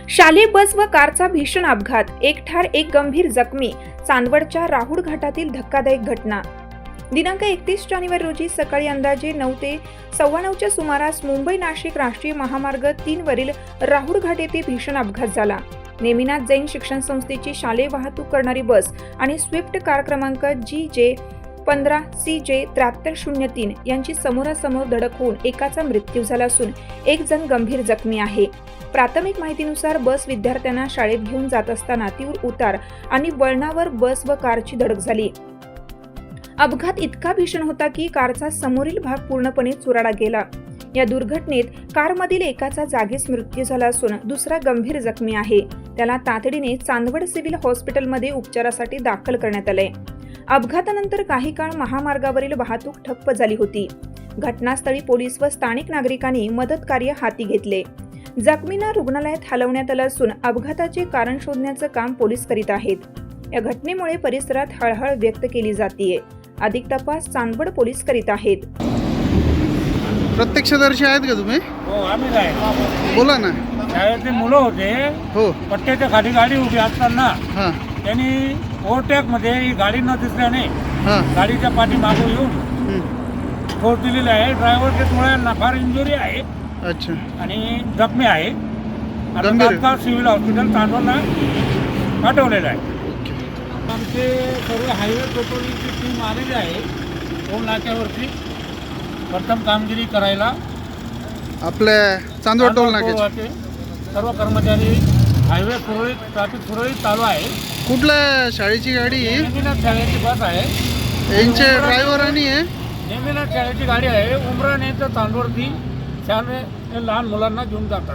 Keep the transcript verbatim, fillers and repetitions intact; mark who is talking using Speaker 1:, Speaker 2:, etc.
Speaker 1: शालेय बस व कारचा भीषण अपघात, एक ठार एक गंभीर जखमी. चांदवडच्या राहुड घाटातील धक्कादायक घटना. दिनांक एकतीस जानेवारी रोजी सकाळी अंदाजे नऊ ते सव्वा नऊच्या सुमारास मुंबई नाशिक राष्ट्रीय महामार्ग तीन वरील राहुड घाट येथे भीषण अपघात झाला. नेमिनाथ जैन शिक्षण संस्थेची शालेय वाहतूक करणारी बस आणि स्विफ्ट कार क्रमांक जी जे पंधरा सी जे त्र्याहत्तर शून्य तीन यांची समोरासमोर धडक होऊन एकाचा मृत्यू झाला असून एक जण गंभीर जखमी आहे. प्राथमिक माहितीनुसार बस विद्यार्थ्यांना शाळेत घेऊन जात असताना तीव्र उतार आणि वळणावर बस व कारची धडक झाली. अपघात इतका भीषण होता की कारचा समोरील भाग पूर्णपणे चुराडा गेला. या दुर्घटनेत कारमधील एकाचा जागीच मृत्यू झाला असून दुसरा गंभीर जखमी आहे. त्याला तातडीने चांदवड सिव्हिल हॉस्पिटलमध्ये उपचारासाठी दाखल करण्यात आले. अपघातानंतर काही काळ महामार्गावरील वाहतूक ठप्प झाली होती. घटनास्थळी पोलीस व स्थानिक नागरिकांनी मदत कार्य हाती घेतले. जखमींना रुग्णालयात हलवण्यात आलं असून अपघाताचे कारण शोधण्याचं काम पोलीस करीत आहेत. या घटनेमुळे परिसरात हळहळ व्यक्त केली जातीये. अधिक तपास चांदवड पोलीस करीत आहेत.
Speaker 2: प्रत्यक्षदर्शी आहेत का तुम्ही?
Speaker 3: हो, आम्ही काय
Speaker 2: बोला ना.
Speaker 3: शाळेतले मुलं होते.
Speaker 2: हो,
Speaker 3: पट्ट्याच्या खाली गाडी उभी असताना
Speaker 2: हां
Speaker 3: त्यांनी ओव्हरटेक मध्ये ही गाडी न दिसल्याने
Speaker 2: हां
Speaker 3: गाडीच्या पाठी मागून येऊन
Speaker 2: हं.
Speaker 3: ठोस दिलेली आहे. ड्रायव्हरच्या थोड्या फार इंजुरी आहे
Speaker 2: अच्छा.
Speaker 3: आणि जखमी आहे. आता
Speaker 2: गंभीर?
Speaker 3: तात्काळ सिव्हिल हॉस्पिटल चांदवडला पाठवलेलं आहे. आमचे सर्व हायवे पेट्रोलिंगची टीम आलेली आहे टोल नाक्यावरती प्रथम कामगिरी करायला.
Speaker 2: आपल्या चांदवड टोल नाक्याचे
Speaker 3: टोलचे सर्व कर्मचारी हायवे सुरळीत ट्रॅफिक सुरळीत चालू आहे.
Speaker 2: कुठल्या शाळेची गाडी?
Speaker 3: नेमिनाथ शाळेची बस आहे.
Speaker 2: यांचे ड्रायव्हर आणि आहे.
Speaker 3: नेमिनाथ शाळेची गाडी आहे. उमराणे तर चांदवडती शाळे लहान मुलांना घेऊन जातात.